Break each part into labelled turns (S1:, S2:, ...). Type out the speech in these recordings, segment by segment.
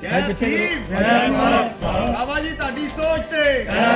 S1: ਬਾਬਾ ਜੀ ਤੁਹਾਡੀ ਸੋਚ ਤੇ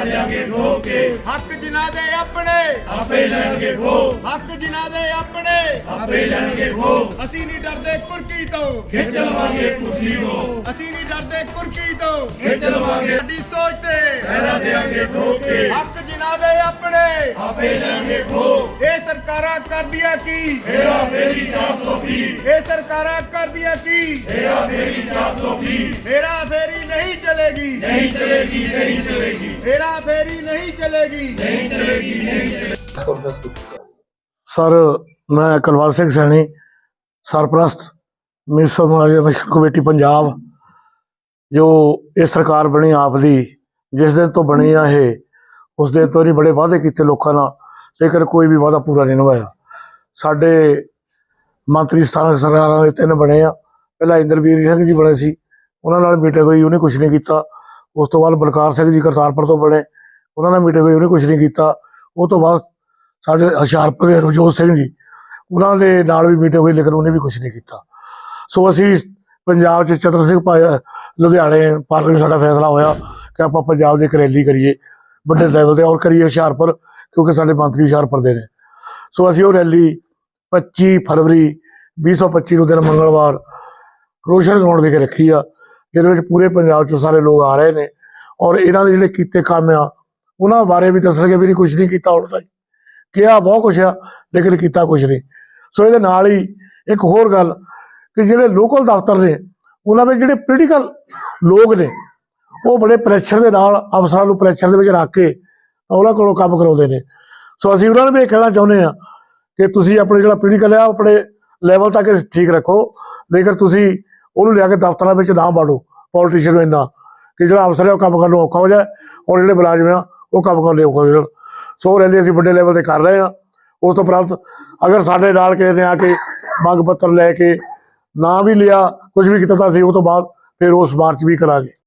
S1: ਹੱਕ ਜਿਨ੍ਹਾਂ ਦੇ ਆਪਣੇ
S2: ਆਪੇ ਲੈਣਗੇ ਖੋ
S1: ਹੱਕ ਜਿਨ੍ਹਾਂ ਦੇ ਆਪਣੇ
S2: ਆਪੇ ਲੈਣਗੇ ਖੋ
S1: ਅਸੀਂ ਨਹੀਂ ਡਰਦੇ ਕੁਰਕੀ ਤੋਂ
S2: ਖਿੱਚ ਲਵਾਂਗੇ ਕੁਰਸੀ ਤੋਂ
S1: ਅਸੀਂ ਨਹੀਂ ਡਰਦੇ ਕੁਰਕੀ ਤੋਂ
S2: ਖਿੱਚ ਲਵਾਂਗੇ
S1: ਸਾਡੀ ਸੋਚ ਤੇ
S2: ਪਹਿਰਾ ਦੇਾਂਗੇ ਠੋਕੇ
S1: ਹੱਕ ਜਿਨ੍ਹਾਂ ਦੇ ਆਪਣੇ
S2: ਆਪੇ ਲੈਣਗੇ ਖੋ
S1: ਇਹ ਸਰਕਾਰਾਂ ਕਰਦੀਆਂ ਕੀ
S2: ਮੇਰਾ ਮੇਰੀ 420
S1: ਇਹ ਸਰਕਾਰਾਂ ਕਰਦੀਆਂ ਕੀ
S2: ਮੇਰਾ ਮੇਰੀ 420
S1: हेरा फेरी नहीं चलेगी
S2: नहीं चलेगी नहीं चलेगी
S1: हेरा फेरी नहीं चलेगी
S2: नहीं चलेगी नहीं चलेगी
S3: सर मैं कुलवंत सिंह सैनी सरप्रस्त मिनिस्टर मुलाजिम कमेटी पंजाब जो ये सरकार बनी आप दी जिस दिन तो बनी है ये उस दिन तो नहीं बड़े वादे किए लोगों नाल लेकिन कोई भी वादा पूरा नहीं निभाया साडे मंत्री स्थानक सरकारां दे 3 बने आ पहला इंद्रवीर सिंह जी बने सी उन्होंने मीटिंग हुई उन्हें कुछ नहीं किया उस तो बाद बलकार सिंह जी करतारपुर तो बने उन्होंने मीटिंग हुई उन्हें कुछ नहीं किया उस तो बाद साढ़े हुशियारपुर के रवजोत सिंह जी उन्होंने नाल भी मीटिंग हुई लेकिन उन्हें भी कुछ नहीं किया सो असी पंजाब च चतर सिंह लुधियाने पार्लियामेंट साडा फैसला होया कि आप पंजाब की एक रैली करिए बड़े लैवल पर और करिए हुशियारपुर क्योंकि साडे मंत्री हुशियारपुर दे ने सो असी वो रैली 25 फरवरी 2025 दिन मंगलवार रोशन ग्राउंड विखे रखी आ जिहदे पूरे पंजाब चों सारे लोग आ रहे हैं और इन्हों ने जिहड़े कीते काम आ उन्होंने बारे भी दसणगे भी कुछ नहीं किया उड़ ताईं किया बहुत कुछ आ लेकिन किया कुछ नहीं सो ये नाल ही एक होर गल कि जिहड़े लोकल दफ्तर ने उन्होंने जिहड़े पोलीटिकल लोग ने वो बड़े प्रैशर के नाल अफसरां नूं प्रैशर दे विच रख के उन्होंने कोलों काम करवाउंदे ने सो असीं उन्होंने भी कहना चाहुंदे आ कि तुसीं अपने जिहड़ा पोलीटिकल है अपने लैवल तक ठीक रखो लेकिन तुसीं ਉਹਨੂੰ ਲਿਆ ਕੇ ਦਫ਼ਤਰਾਂ ਵਿੱਚ ਨਾ ਬਾੜੋ ਪੋਲੀਟੀਸ਼ੀਅਨ ਨੂੰ ਇੰਨਾ ਕਿ ਜਿਹੜਾ ਅਫਸਰ ਹੈ ਉਹ ਕੰਮ ਕਰਨ ਨੂੰ ਔਖਾ ਹੋ ਜਾਏ ਔਰ ਜਿਹੜੇ ਮੁਲਾਜ਼ਮ ਆ ਉਹ ਕੰਮ ਕਰਨ ਲਈ ਔਖਾ ਹੋ ਜਾਣ ਸੋ ਰੈਲੀ ਅਸੀਂ ਵੱਡੇ ਲੈਵਲ ਤੇ ਕਰ ਰਹੇ ਹਾਂ ਉਸ ਤੋਂ ਉਪਰੰਤ ਅਗਰ ਸਾਡੇ ਨਾਲ ਕਿਸੇ ਨੇ ਆ ਕੇ ਮੰਗ ਪੱਤਰ ਲੈ ਕੇ ਨਾ ਵੀ ਲਿਆ ਕੁਝ ਵੀ ਕੀਤਾ ਤਾਂ ਅਸੀਂ ਉਹ ਤੋਂ ਬਾਅਦ ਫਿਰ ਉਸ ਮਾਰਚ ਵੀ ਕਰਾਂਗੇ।